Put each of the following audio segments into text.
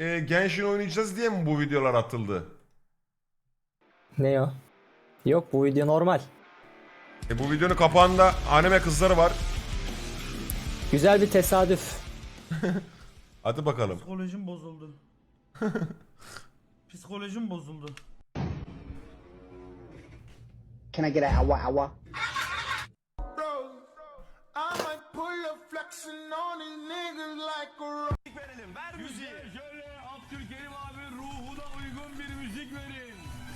Genshin oynayacağız diye mi bu videolar atıldı? Ne o? Yok, bu video normal. Bu videonun kapağında anime kızları var. Güzel bir tesadüf. Hadi bakalım. Psikolojim bozuldu. Psikolojim bozuldu. Can I get a awa awa? Şöyle Abdülkerim abi ruhuna uygun bir müzik verin.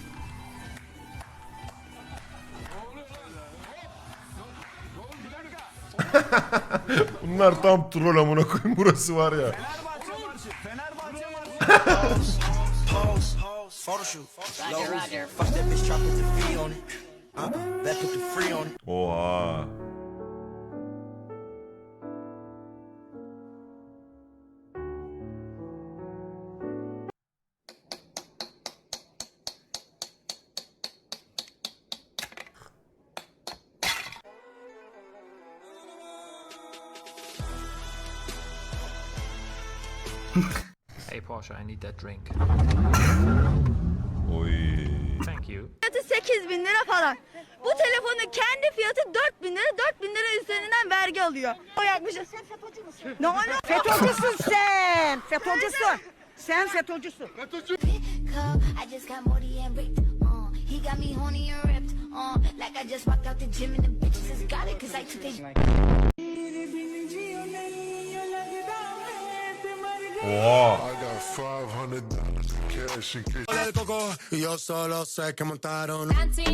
Bunlar tam troll amına koyayım, burası var ya. Fenerbahçe marşı. Fenerbahçe marşı. Roger, Roger. Fuck that bitch, try put the free on it. That put the free on it. Oha. Hey Porsche, I need that drink. Oy. Thank you. Fiyatı 8.000 lira falan. Bu telefonun kendi fiyatı 4.000 lira. 4.000 lira üzerinden vergi alıyor. O yakmışız. Sen FETÖ'cü müsün? Ne oluyor? FETÖ'cüsün sen. FETÖ'cüsün. Sen FETÖ'cüsün. I just got Morty and ripped. He got me horny and ripped. Like I just walked out the gym and the bitches got it 'cause I took the. Oha. I got $500 cash in case. Yo solo sé que montaron.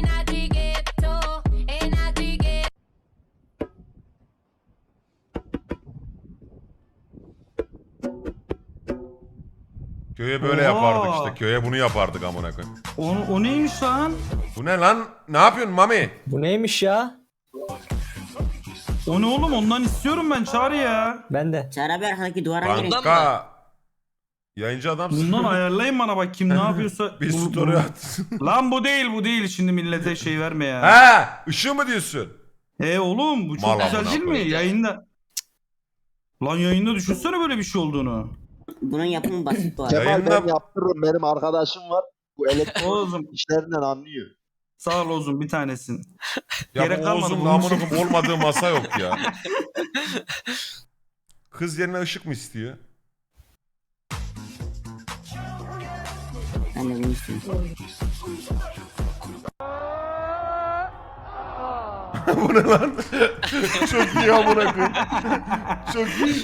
Köye böyle Oha. yapardık işte. Köye bunu yapardık amına koyayım. O neymiş lan? Bu ne lan? Ne yapıyorsun Mami? Bu neymiş ya? O ne oğlum, ondan istiyorum ben, çağır ya. Ben de. Çağrı abi arkadaki duvara girin. Kanka. Yayıncı adamsın. Bundan ayarlayın bana bak, kim ne yapıyorsa. Bir story at. Lan bu değil şimdi millete şey verme ya. He, ışığı mı diyorsun? Oğlum bu çok Mal güzel amına değil mi? koyayım. Yayında. Lan yayında düşünsene böyle bir şey olduğunu. Bunun yapımı basit bu arada. Yayında- Kemal ben yaptırırım. Benim arkadaşım var. Bu elektrik Oğuzum işlerinden anlıyor. sağ ol Oğuzum, bir tanesin. Ya Gerek bu kalmadı Oğuz'un bunun amına için. koyayım olmadığı masa yok ya. Kız yerine ışık mı istiyor? Ben de bunu istiyorum. Bu ne lan? Çok iyi amına koyayım. Çok iyi.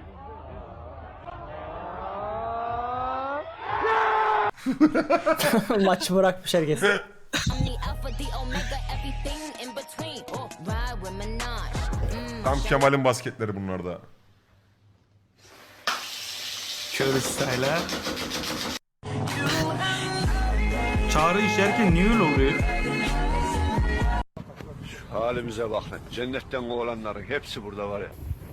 Maçı bırakmış herkes. I'm the alpha, the omega, everything in between. Ride with Minaj. Tam Kemal'in basketleri bunlar da. Şöyle style'a. Çağrı işerken niye öyle oluyor? Halimize bak lan. Cennetten olanların hepsi burada var ya.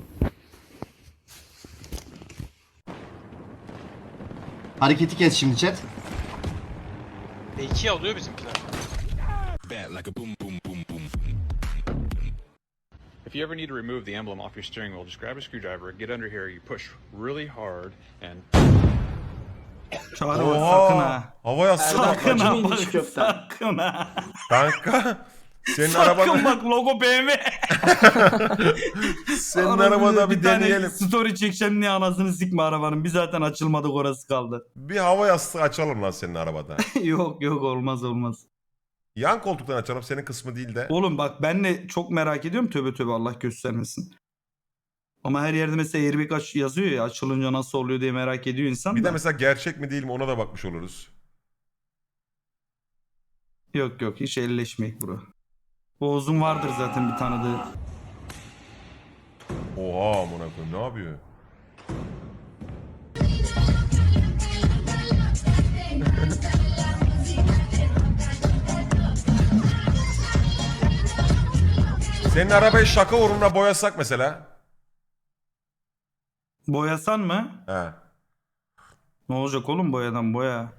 Hareketi kes şimdi chat. İki alıyor bizimkiler. If you ever need to remove the emblem off your steering wheel, just grab a screwdriver, get under here, you push really hard, and Çağrı bak sakın ha. Hava yastığı Sakın patlayacak. ha bak, sakın ha. Kanka. Senin Sakın arabada, bak, logo BMW. senin Arada arabada bir tane deneyelim. story çekeceğim diye anasını sikme arabanın. Bir zaten açılmadık, orası kaldı. Bir hava yastığı açalım lan senin arabada. yok olmaz. Yan koltuktan açalım, senin kısmı değil de. Oğlum bak, ben de çok merak ediyorum, tövbe Allah göstermesin. Ama her yerde mesela airbag yazıyor ya, açılınca nasıl oluyor diye merak ediyor insan Bir da. de mesela gerçek mi değil mi ona da bakmış oluruz. Yok hiç elleşmeyek bro. Oğuz'un vardır zaten bir tanıdığı. Oha amına koyayım, ne yapıyor? Senin arabayı şaka uğruna boyasak mesela. Boyasan mı? He. Ne olacak oğlum, boyadan boya.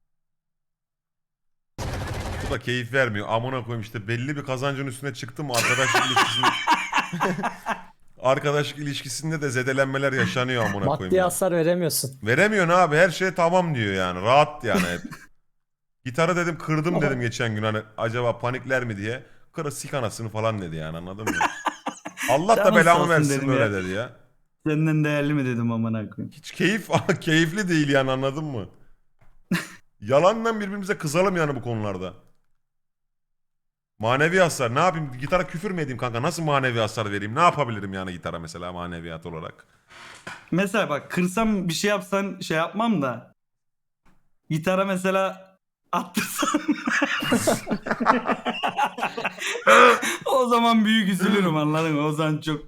Bu da keyif vermiyor. Amına koyayım işte, belli bir kazancın üstüne çıktı mı arkadaşlık ilişkisini arkadaşlık ilişkisinde de zedelenmeler yaşanıyor amına koyayım. Maddi ya. hasar veremiyorsun. Veremiyorsun abi, her şey tamam diyor yani. Rahat yani hep. Gitarı dedim kırdım dedim geçen gün, hani acaba panikler mi diye. Kırı sik anasını falan dedi yani, anladın mı? Allah da Canın sağ belamı olsun versin dedim böyle ya. dedi ya. Senden değerli mi dedim amına koyayım. Hiç keyifli değil yani, anladın mı? Yalandan birbirimize kızalım yani bu konularda. Manevi hasar ne yapayım, gitara küfür mü edeyim kanka, nasıl manevi hasar vereyim, ne yapabilirim yani gitara mesela maneviyat olarak. Mesela bak kırsam bir şey yapsan şey yapmam da. Gitara mesela attırsan. O zaman büyük üzülürüm, anladın mı? O zaman çok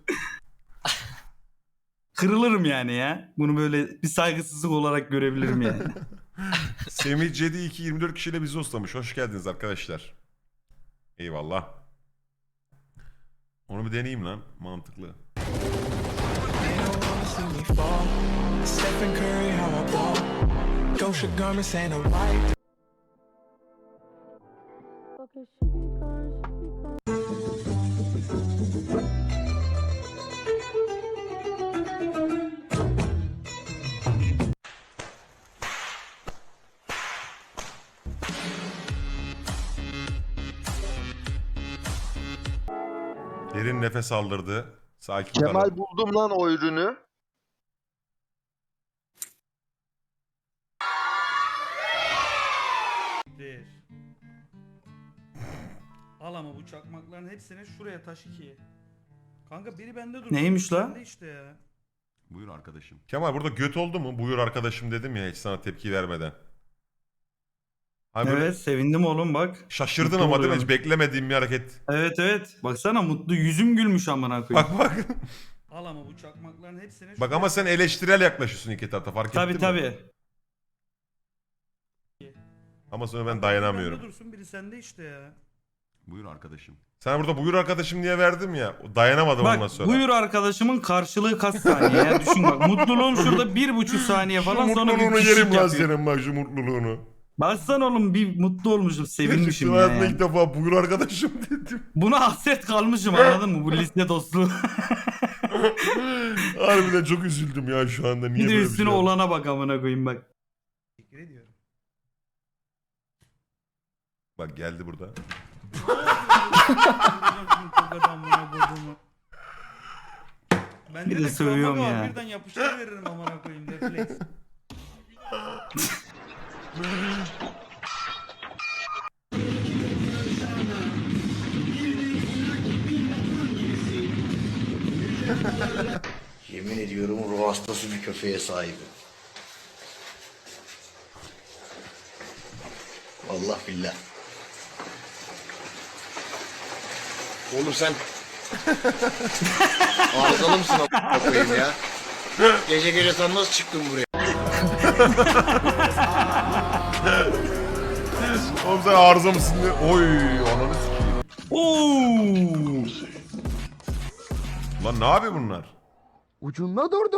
kırılırım yani ya. Bunu böyle bir saygısızlık olarak görebilirim yani. Semih Cedi 224 kişiyle bizi ustamış. Hoş geldiniz arkadaşlar. Eyvallah. Onu bir deneyeyim lan. Mantıklı. Derin nefes aldırdı. Sakin Kemal kalın. buldum lan o ürünü. Al ama bu çakmakların hepsini şuraya taş ikiye. Kanka biri bende dur. Neymiş la? Bende işte ya. Buyur arkadaşım. Kemal burada göt oldu mu? Buyur arkadaşım dedim ya hiç sana tepki vermeden. Hani böyle Evet sevindim oğlum bak. şaşırdın Mutlu ama değil mi? oluyorum. Hiç beklemediğim bir hareket. Evet. Baksana mutlu yüzüm gülmüş amına koyayım. Bak. Al ama bu çakmakların hepsini Bak ama sen eleştirel yaklaşıyorsun iki tarafta, fark ettin mi? Tabii. Ama sonra ben Biri dayanamıyorum. bende dursun biri sende işte ya. Buyur arkadaşım. Sana burada buyur arkadaşım diye verdim ya. Dayanamadım ondan Bak sonra. buyur arkadaşımın karşılığı kaç saniye ya düşün bak. Mutluluğum şurada 1,5 saniye Şu falan sonra bir mutluluğunu pişik yerim lan yapıyor. senin bak, şu mutluluğunu. Baksana oğlum bir mutlu olmuşum sevinmişim Gerçekten ya. hayatımda Yani. ilk defa buyur arkadaşım dedim. Buna hasret kalmışım anladın mı bu liste dostluğu. Harbiden çok üzüldüm ya şu anda. Niye Bir de böyle üstüne bir şey oldu? olana bak amına koyayım bak. Teşekkür ediyorum. Bak geldi burada. Ben Bir de sövüyorum ya. Birden yapıştırıveririm amına koyayım refleks. Yemin ediyorum ruh hastası bir köpeğe sahibim. Vallahi billah. Oğlum sen arızalı mısın a**a koyayım ya? Gece gece sen nasıl çıktın buraya? Oğlum sen arıza mısın diye. Oy ananı sikeyim. Oo! Lan ne yapıyor bunlar? Ucunda dur.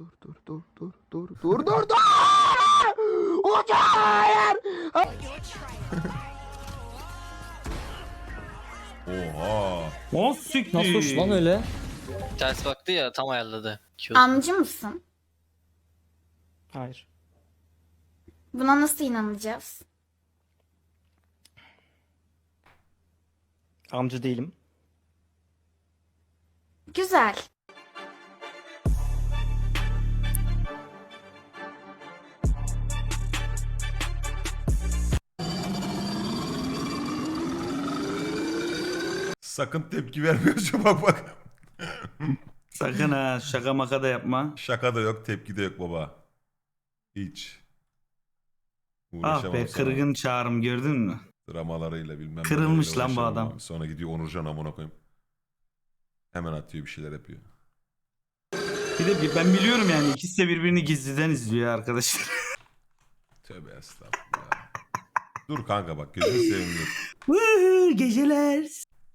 Ucu hayır. Oha. O siktir. Nasıl hoş lan öyle? Ters baktı ya, tam ayarladı. Amcı mısın? Hayır. Buna nasıl inanacağız? Amca değilim. Güzel. Sakın tepki vermiyorsun bak. Sakın ha şaka maka da yapma. Şaka da yok, tepki de yok baba. Hiç. Ah Uğraşamam be sana. kırgın çağrım gördün mü? Dramalarıyla bilmem. Kırılmış neleriyle lan bu uğraşamam adam. abi. Sonra gidiyor Onurcan amına koyayım. Hemen atıyor bir şeyler yapıyor. Bir de ben biliyorum yani ikisi de birbirini gizliden izliyor arkadaşlar. Tövbe estağfurullah. Dur kanka bak, gözünü seveyim dur. Woohoo, geceler.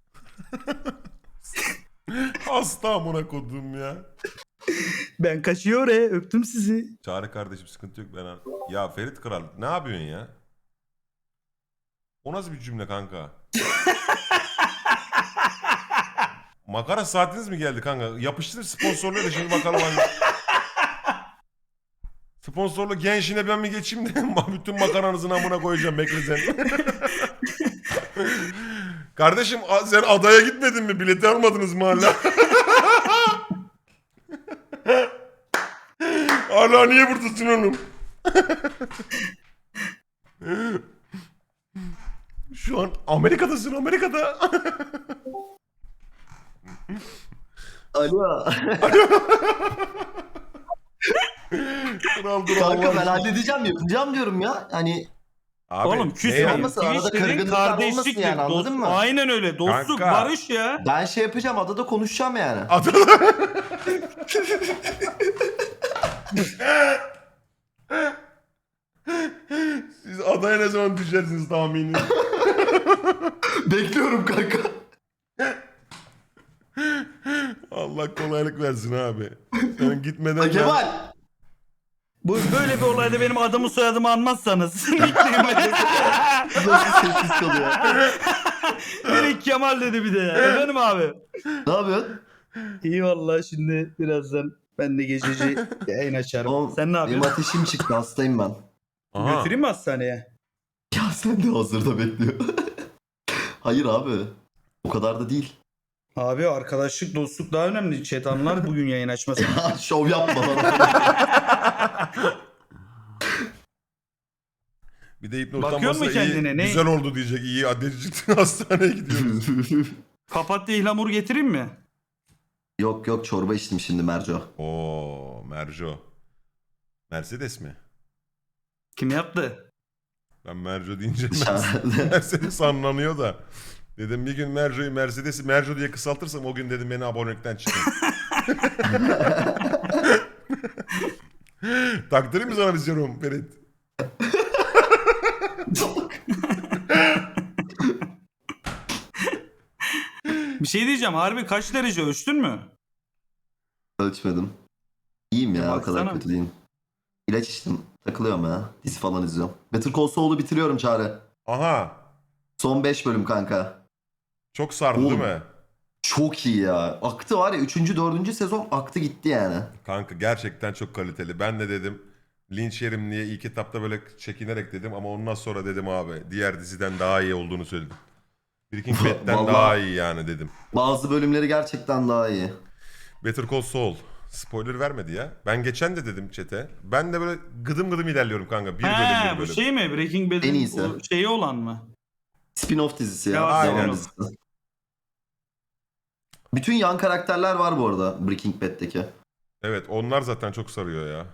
Hasta amına kodum ya. Ben kaçıyor öptüm sizi. Çağrı kardeşim sıkıntı yok ben. Ya Ferit Kral ne yapıyorsun ya? O nasıl bir cümle kanka? Makara saatiniz mi geldi kanka? Yapıştır sponsorluğu da şimdi bakalım hangi... Sponsorlu gençine ben mi geçeyim de bütün makaranızın amına koyacağım, bekle sen. Kardeşim sen adaya gitmedin mi? Bileti almadınız mı hala? Hala niye buradasın oğlum? Şu an Amerika'dasın, Amerika'da. Alo. Kral dur, Kanka Allah ben aşkına. halledeceğim, yapacağım diyorum ya. Hani Abi, Oğlum küs ne olmasın, arada Twitch'lerin kırgınlıklar olmasın kardeşliktir, yani, anladın mı? Aynen öyle. Dostluk, Kanka. barış ya. ben şey yapacağım, adada konuşacağım yani. Siz adaya ne zaman düşersiniz tahmini? Bekliyorum kanka. Allah kolaylık versin abi. Sen gitmeden... Ha, Kemal. Bu böyle bir olayda benim adımı soyadımı anmazsanız. Nasıl sessiz kalıyor? Direkt Kemal dedi bir de ya. Efendim abi. Ne yapıyorsun? İyi vallahi şimdi birazdan ben de gececi yayın açarım. Oğlum, Sen ne benim yapıyorsun? ateşim çıktı, hastayım ben. Aha. Götüreyim mi hastaneye? Ya sen de hazırda bekliyor. Hayır abi. O kadar da değil. Abi arkadaşlık, dostluk daha önemli. Chat anlar bugün yayın açmasın. Ya şov yapma bana. Bir de Bakıyor hipnotlanmasa mu iyi, kendine? Ne? güzel oldu diyecek. İyi adresi çıktı, hastaneye gidiyoruz. Papatya ihlamur getireyim mi? Yok yok, çorba içtim şimdi Merco. Oo, Merco. Mercedes mi? Kim yaptı? Ben Merco deyince Dışarıda. Mercedes anlanıyor da. Dedim bir gün Merco'yu Mercedes'i Merco diye kısaltırsam o gün dedim beni abonelikten çıkın. Taktırayım mı sana bir serum Ferit? Bir şey diyeceğim. Harbi kaç derece ölçtün mü? Ölçmedim. İyiyim ya, o kadar Baksana. kötü değilim. İlaç içtim. Takılıyorum ya. Dizi falan izliyorum. Better Call Saul'u bitiriyorum Çağrı. Aha. Son 5 bölüm kanka. Çok sardı Oğlum. değil mi? Çok iyi ya. Aktı var ya, 3. 4. sezon aktı gitti yani. Kanka gerçekten çok kaliteli. Ben de dedim linç yerim diye ilk etapta böyle çekinerek dedim ama ondan sonra dedim abi diğer diziden daha iyi olduğunu söyledim. Breaking Bad'den Vallahi. daha iyi yani dedim. Bazı bölümleri gerçekten daha iyi. Better Call Saul. Spoiler vermedi ya. Ben geçen de dedim chat'e. Ben de böyle gıdım gıdım ilerliyorum kanka. Bir bölüm He, bir bu bölüm. şey mi? Breaking En Bad'in iyisi. o şeyi olan mı? Spin-off dizisi ya. Ya, aynen. Devam dizisi. Bütün yan karakterler var bu arada Breaking Bad'deki. Evet onlar zaten çok sarıyor ya.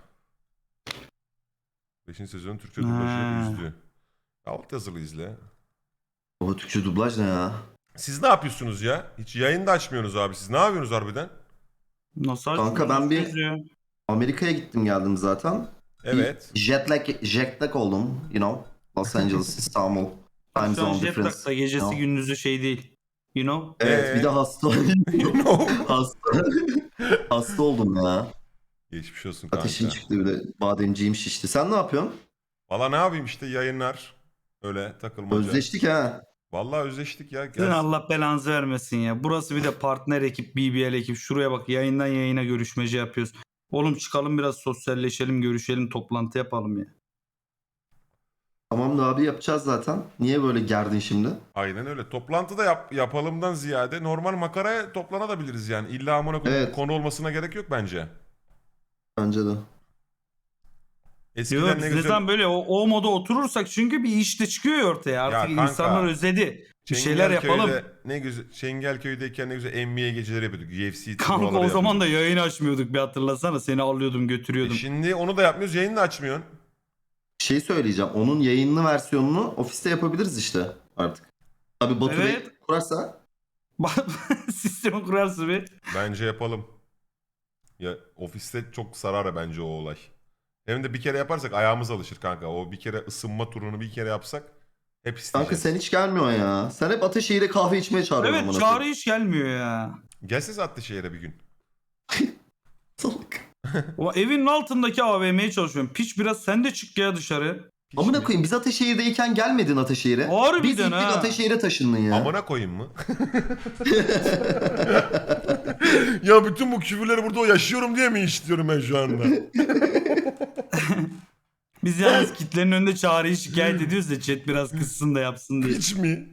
5. sezonun Türkçe dublajı Ha. üzdü. Alt yazılı izle. O Türkçe dublaj ne ya? Siz ne yapıyorsunuz ya? Hiç yayın da açmıyorsunuz abi. Siz ne yapıyorsunuz harbiden? Nasıl Kanka açtın? ben bir- Nasıl yazıyor? Amerika'ya gittim geldim zaten. Evet. Jetlag oldum, you know. Los Angeles, İstanbul. Time Şu an zone jet difference. lag'da gecesi No. gündüzü şey değil. You know? Evet, bir de hasta. You know. hasta oldum ya. Geçmiş olsun kanka. Ateşim çıktı, bir de bademciğim şişti. Sen ne yapıyorsun? Valla ne yapayım işte yayınlar. Öyle takılmaca. Özleştik ha. Vallahi özleştik ya. Sizin Allah belanızı vermesin ya. Burası bir de partner ekip, BBL ekip. Şuraya bak, yayından yayına görüşmece yapıyoruz. Oğlum çıkalım biraz sosyalleşelim, görüşelim, toplantı yapalım ya. Tamam da abi, yapacağız zaten. Niye böyle gerdin şimdi? Aynen öyle. Toplantıda yapalımdan ziyade normal makaraya toplanabiliriz yani. İlla amına koyayım Evet. konu olmasına gerek yok bence. Bence de. Eskiden Yok, ne biz ne güzel zaman böyle o moda oturursak çünkü bir iş de çıkıyor ya ortaya. Artık kanka, insanlar özledi. Bir şeyler yapalım. Ne güzel Çengelköy'deyken ne güzel NBA geceleri yapıyorduk. UFC Kanka o turnuvaları zaman da yapıyorduk. yayın açmıyorduk, bir hatırlasana. Seni alıyordum, götürüyordum. Şimdi onu da yapmıyoruz. Yayını da açmıyorsun. Şey söyleyeceğim. Onun yayınlı versiyonunu ofiste yapabiliriz işte artık. Tabii Batu Bey Evet. kurarsa. Sistemi kurarsın bir. Bence yapalım. Ya ofiste çok sarar bence o olay. Hem de bir kere yaparsak ayağımız alışır kanka. O bir kere ısınma turunu bir kere yapsak hep isteyeceğiz. Kanka sen hiç gelmiyorsun ya. Sen hep Ateşehir'e kahve içmeye çağırıyorsun. Evet, amına çağrı koyayım. hiç gelmiyor ya. Gelseniz Atlışehir'e bir gün. Salak. O evin altındaki AVM'ye çalışıyorum. Piç biraz sen de çık ya dışarı. Amına koyayım biz Ataşehir'deyken gelmedin Ataşehir'e. Harbiden Biz gittik ha. Ataşehir'e taşındın ya. Amına koyayım mı? Ya bütün bu küfürleri burada yaşıyorum diye mi işliyorum ben şu anda? Biz yalnız kitlenin önünde Çağrı'yı şikayet ediyoruz da chat biraz kızsın da yapsın diye. Piç mi?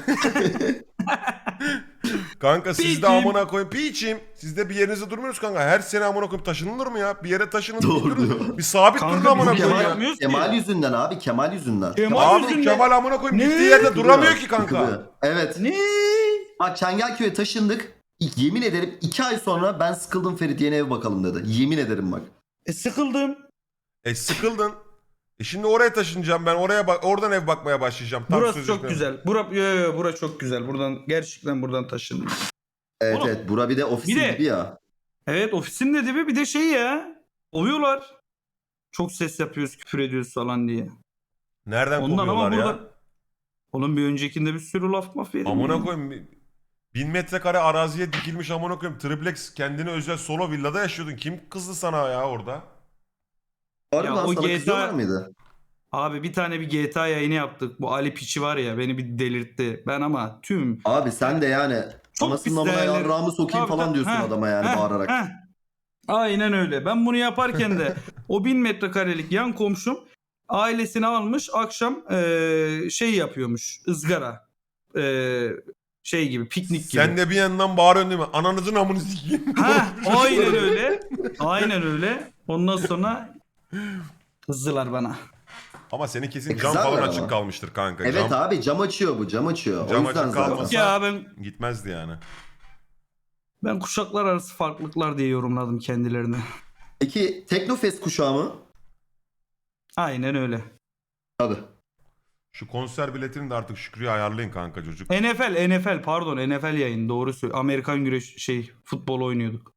Kanka siz de Piçim. amına koyayım. Piçim. Siz de bir yerinizde durmuyoruz kanka. Her sene amına koyayım taşınılır mı ya? Bir yere taşının. Doğru durun. diyor. Bir sabit Kanka durun amına bizim koyayım Kemal ya. yapmıyoruz ki. Kemal yüzünden abi Kemal yüzünden. Kemal Abi yüzünden. Kemal amına koyayım Ne? gittiği yerde duramıyor ki kanka. Sıkılıyor. Evet. Ne? Bak Çengelköy'e taşındık. Yemin ederim 2 ay sonra ben sıkıldım Ferit yeni ev bakalım dedi. Yemin ederim bak. Sıkıldım. Sıkıldın. Şimdi oraya taşınacağım ben. Oradan ev bakmaya başlayacağım. Tam Burası çok sözleşme. güzel. Bura çok güzel. Gerçekten buradan taşındım. Evet Oğlum, evet bura bir de ofisin bir de- gibi ya. Evet ofisin de dibi bir de şey ya. Ovuyorlar. Çok ses yapıyoruz, küfür ediyoruz falan diye. Nereden Ondan ama kovuyorlar ya? burada... Oğlum bir öncekinde bir sürü laf maf yedim. Amına ya. koyayım. 1000 metrekare araziye dikilmiş amına koyayım. Triplex kendine özel solo villada yaşıyordun. Kim kızdı sana ya orada? Harbiden o sana GTA kızıyorlar mıydı? Abi bir tane bir GTA yayını yaptık. Bu Ali Piçi var ya beni bir delirtti. Ben ama tüm... Abi sen de yani Çok anasının pis amına değerli- yarrağımı sokayım Tabii, falan tabii. diyorsun Heh, adama yani heh, bağırarak. heh. Aynen öyle. Ben bunu yaparken de o 1000 metrekarelik yan komşum ailesini almış akşam şey yapıyormuş ızgara. Şey gibi piknik gibi. Sen de bir yandan bağırıyorsun değil mi? Ananızın amını sikeyim. Ha, aynen öyle. Aynen öyle. Ondan sonra kızdılar bana. Ama senin kesin cam Kızarlar falan ama. açık kalmıştır kanka. Evet cam abi cam açıyor bu cam açıyor. Cam o yüzden açık zaten. kalmasa- Ya gitmezdi yani. ben kuşaklar arası farklılıklar diye yorumladım kendilerini. Peki Teknofest kuşağı mı? Aynen öyle. Tabii. Şu konser biletini de artık Şükrü'ye ayarlayın kanka çocuk. NFL pardon NFL yayın doğru söylüyor. Amerikan güreş futbol oynuyorduk.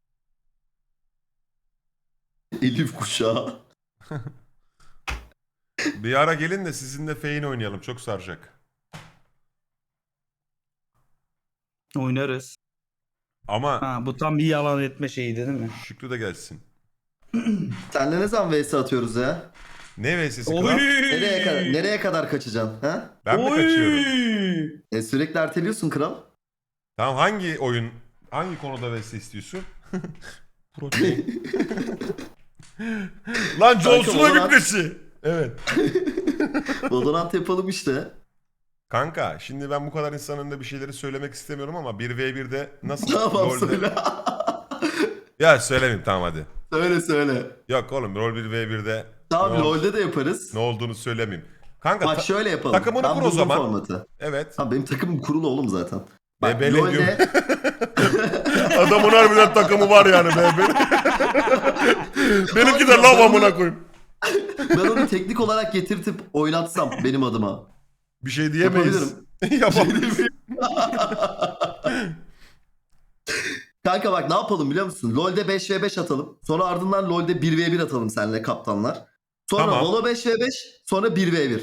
Elif kuşağı. Bir ara gelin de sizinle feyin oynayalım. Çok saracak. Oynarız. Ama Ha bu tam bir yalan etme şeyiydi değil mi? Şükrü de gelsin. Senle ne zaman vs atıyoruz ya? Ne VS'si Oy! kral? Nereye kadar kaçacaksın? Ha? Ben mi kaçıyorum? Sürekli erteliyorsun kral. Tamam hangi oyun, hangi konuda VS istiyorsun? Protein. Lan John Cena Valorant- bitmesi. Evet. Valorant yapalım işte. Kanka şimdi ben bu kadar insanın önünde bir şeyleri söylemek istemiyorum ama 1v1'de nasıl Tamam LoL'de... söyle. Ya söylemeyeyim tamam hadi. söyle. Yok oğlum rol 1v1'de Tamam ne, LoL'de de yaparız. ne olduğunu söylemeyeyim. Kanka Bak şöyle yapalım. takımını Ben kur o buldum zaman. Formatı. Evet. Tamam benim takımım kurulu oğlum zaten. Bak Bebele LoL'de Adamın harbiden takımı var yani be. Benimki de lav amına koyayım. ben onu teknik olarak getirtip oynatsam benim adıma. Bir şey diyemeyiz. Yapabiliriz. Kanka bak ne yapalım biliyor musun? LoL'de 5v5 atalım. Sonra ardından LoL'de 1v1 atalım seninle kaptanlar. Sonra Tamam. Valo 5v5, sonra 1v1.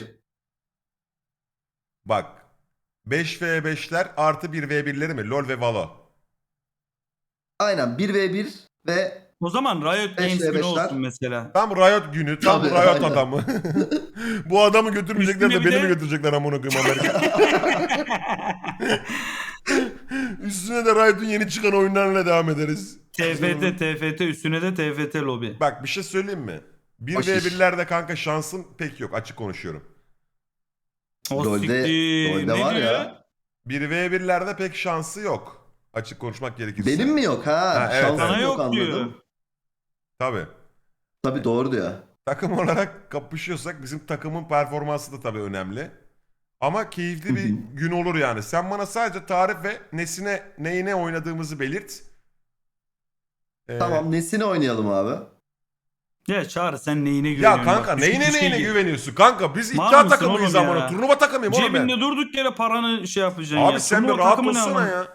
Bak. 5v5'ler artı 1v1'leri mi? LoL ve Valo. Aynen 1v1 ve O zaman Riot Games günü 5v5'ler. olsun mesela. Tam Riot günü, tam Tabii, Riot aynen. adamı. Bu adamı götürmeyecekler de Üstüne bir beni mi de- götürecekler amına koyayım Amerika. Üstüne de Riot'un yeni çıkan oyunlarıyla devam ederiz. TFT üstüne de TFT lobi. Bak bir şey söyleyeyim mi? 1v1'lerde kanka şansım pek yok açık konuşuyorum. O LoL'de siktir. Ne var diyor? ya. 1v1'lerde pek şansı yok. Açık konuşmak gerekirse. Benim mi yok ha? Ha, evet, Şansım evet. Sana yok yok diyor. anladım. Tabii. Tabii doğru diyor. Takım olarak kapışıyorsak bizim takımın performansı da tabii önemli. Ama keyifli bir gün olur yani. Sen bana sadece tarif ve neyine oynadığımızı belirt. Tamam nesini oynayalım abi? Ya Çağrı sen neyine güveniyorsun? Ya kanka Bak, düşün bir neyine şey- güveniyorsun? Kanka biz Mal iddia mısın takımıyız oğlum ya? amına. Turnuva takımıyım oğlum ben. Cebinde durduk yere paranı şey yapacaksın ya. Abi sen bir Turnuva rahat takımı ne olsana ama? ya.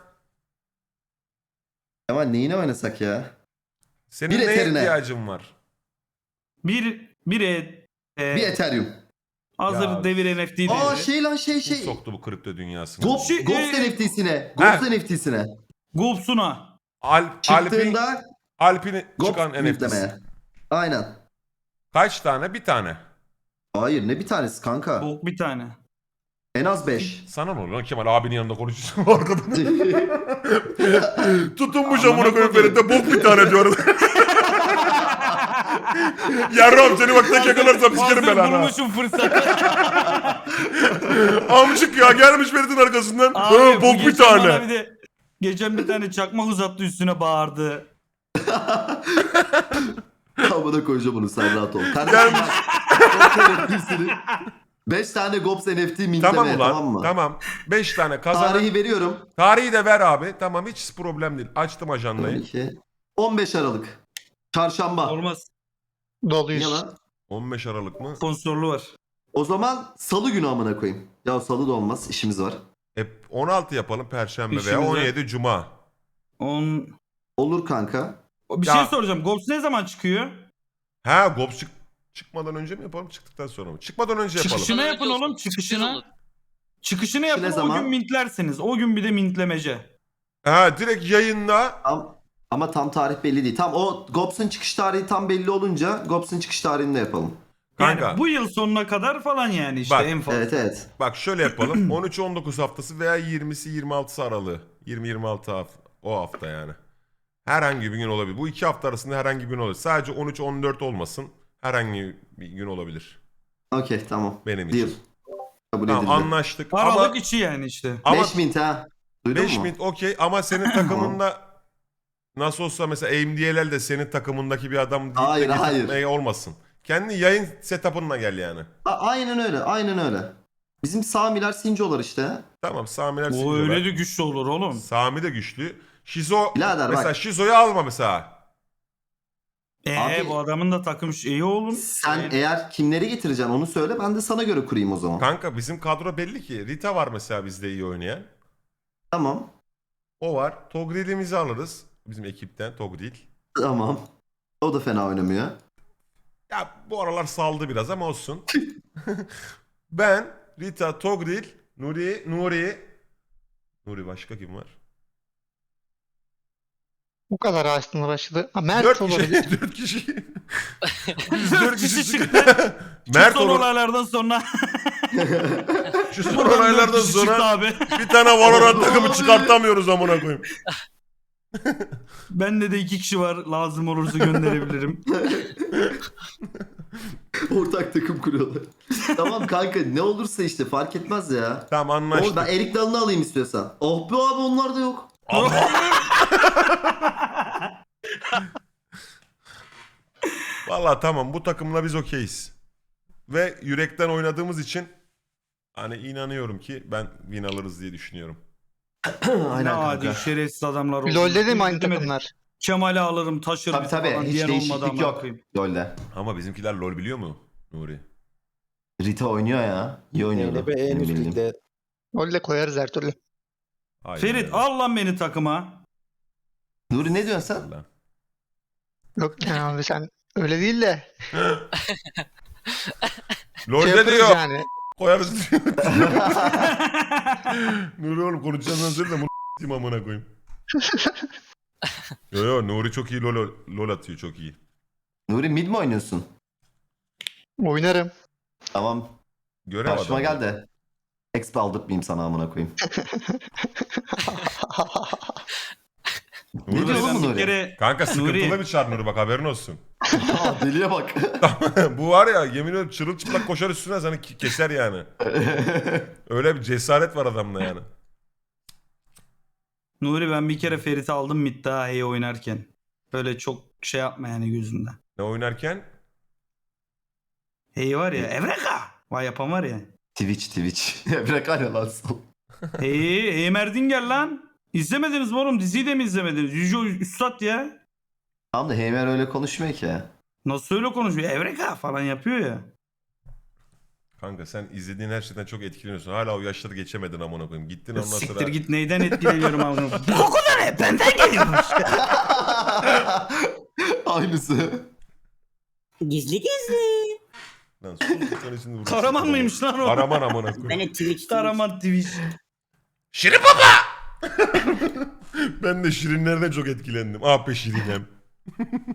Ama neyine oynasak ya? Senin Bir neye eterine. ihtiyacın var? Bir Bir Ethereum. hazır Ya. devir NFT devri. Aa şey lan şey. Kim soktu bu kripto dünyasına? Ghost NFT'sine. Ha. Ghost NFT'sine. Gopsuna. Çıktığında Alp'in Ghost çıkan NFT'si. demeye. Aynen. Kaç tane? Bir tane. Hayır ne bir tanesi kanka. Bok bir tane. En az 5. Sana ne oluyor lan Kemal abinin yanında konuşuyorsun arkadan. Tutunmuş amına koyayım Ferit'e bok bir tane diyor. Yarram seni bak tek yakalarsam sikerim ben ana. Bulmuşum fırsatı. Amcık ya gelmiş Ferit'in arkasından. Abi, bu Bok bir geçen bana tane. bir de geçen bir tane çakmak uzattı üstüne bağırdı. Amına koyacağım bunu sen rahat ol. Kardeşim bak. 5 tane Gops NFT mintlemeye Tamam ulan tamam mı? tamam. 5 tane kazanan. Tarihi veriyorum. Tarihi de ver abi. Tamam hiç problem değil. Açtım ajandayı. 12. 15 Aralık. Çarşamba. Olmaz. Niye lan? 15 Aralık mı? Sponsorluğu var. O zaman salı günü amına koyayım. Ya salı da olmaz işimiz var. 16 yapalım Perşembe veya İşimize- 17 Cuma. Olur kanka. Bir Ya- şey soracağım. Gops ne zaman çıkıyor? Ha Gops çıkmadan önce mi yapalım çıktıktan sonra mı? Çıkmadan önce yapalım. Çıkışını Önce yapın olsun, oğlum. çıkışını olur. Çıkışını yapın Ne o zaman? gün mintlersiniz. O gün bir de mintlemece. Ha direkt yayında. Ama tam tarih belli değil. Tam o Gops'un çıkış tarihi tam belli olunca Gops'un çıkış tarihini de yapalım. Yani Kanka. bu yıl sonuna kadar falan yani işte Bak, en fazla. Evet. Bak şöyle yapalım. 13-19 haftası veya 20'si-26'sı aralığı. 20-26 o hafta yani. Herhangi bir gün olabilir. Bu 2 hafta arasında herhangi bir gün olabilir. Sadece 13-14 olmasın. Herhangi bir gün olabilir. Okey tamam. Benim Deal. için. Kabul Tamam edildi. anlaştık. Aralık Ama içi yani işte. 5 mint ha. Duydun 5 mu? mint okey ama senin takımında nasıl olsa mesela AMD'ler de senin takımındaki bir adam değil Hayır, de hayır. getirtmeye olmasın. Kendi yayın setup'ınla gel yani. Aynen öyle. Aynen öyle. Bizim Samiler Sincolar işte. Tamam Samiler O Sincolar. öyle de güçlü olur oğlum. Sami de güçlü. Şizo Birader mesela bak. Şizo'yu alma mesela. Abi- Bu adamın da takım şeyi oğlum. Sen eğer kimleri getireceksin onu söyle ben de sana göre kurayım o zaman. Kanka bizim kadro belli ki. Rita var mesela bizde iyi oynayan. Tamam. O var. Togril'imizi alırız. Bizim ekipten Togril. Tamam. O da fena oynamıyor. Ya bu aralar saldı biraz ama olsun. Ben, Rita, Togril, Nuri başka kim var? Bu kadar aslında başladı. Ha, Mert 4 olabilir. kişi. 4 kişi. Biz 4 4 kişi kişi çıktı. Mert Son olur. olaylardan sonra. Şu son olaylardan Dört kişi çıktı sonra abi. bir tane Valorant takımı çıkartamıyoruz amına koyayım. Bende de 2 kişi var. Lazım olursa gönderebilirim. Ortak takım kuruyorlar. Tamam kanka ne olursa işte fark etmez ya. Tamam anlaştık. Oğlum ben Erik Dalı'nı alayım istiyorsan. Oh be abi onlar da yok. Vallahi tamam bu takımla biz okeyiz. Ve yürekten oynadığımız için hani inanıyorum ki ben win alırız diye düşünüyorum. Ne Aynen adi kanka. şerefsiz adamlar oldu. LoL'de de mi aynı Demedik. takımlar? Kemal'i alırım taşırım Tabii tabii falan hiç diyen olmadı değişiklik ama yok. koyayım. LoL'de. Ama bizimkiler LoL biliyor mu Nuri? Rita oynuyor ya. İyi oynuyordu. Benim bildiğim. LoL'de koyarız her türlü. Aynen Ferit öyle. al lan beni takıma. Nuri ne diyorsun sen? Allah. Yok yani abi sen öyle değil de. LoL'de yaparız diyor. yani. Koyarız diyor. Nuri oğlum konuşacağından söyle de bunu s**tim amına koyayım. Yo Nuri çok iyi LoL atıyor çok iyi. Nuri mid mi oynuyorsun? Oynarım. Tamam. Görev Karşıma adamı. gel de. Exp aldırtmayayım sana amına koyayım. Ne Nuri diyor de- oğlum bir Nuri? kere Kanka sıkıntılı Nuri. bir çar Nuri bak haberin olsun. Aa, deliye bak. Bu var ya yemin ediyorum çırılçıplak koşar üstüne seni keser yani. Öyle bir cesaret var adamda yani. Nuri ben bir kere Ferit'i aldım mid daha iyi oynarken. Böyle çok şey yapma yani gözünden. Ne oynarken? Hey var ya Evreka. Vay yapan var ya. Twitch. Bırak hala lan. Hey Merdinger lan. İzlemediniz mi oğlum? Diziyi de mi izlemediniz? Yüce Üstad ya. Tamam da Heymer öyle konuşmuyor ki. Nasıl öyle konuşuyor? Evreka falan yapıyor ya. Kanka sen izlediğin her şeyden çok etkileniyorsun. Hala o yaşları geçemedin amına koyayım. Gittin ondan sonra. Siktir git neyden etkileniyorum abi. Bu koku da ne? Benden geliyormuş. Aynısı. Gizli gizli. Lan sus, sen şimdi vurursun. Kahraman mıymış lan o? Kahraman amına koyayım. Karaman Twitch. Şirin baba! Ben de Şirinlerden çok etkilendim. Ah be Şirinem.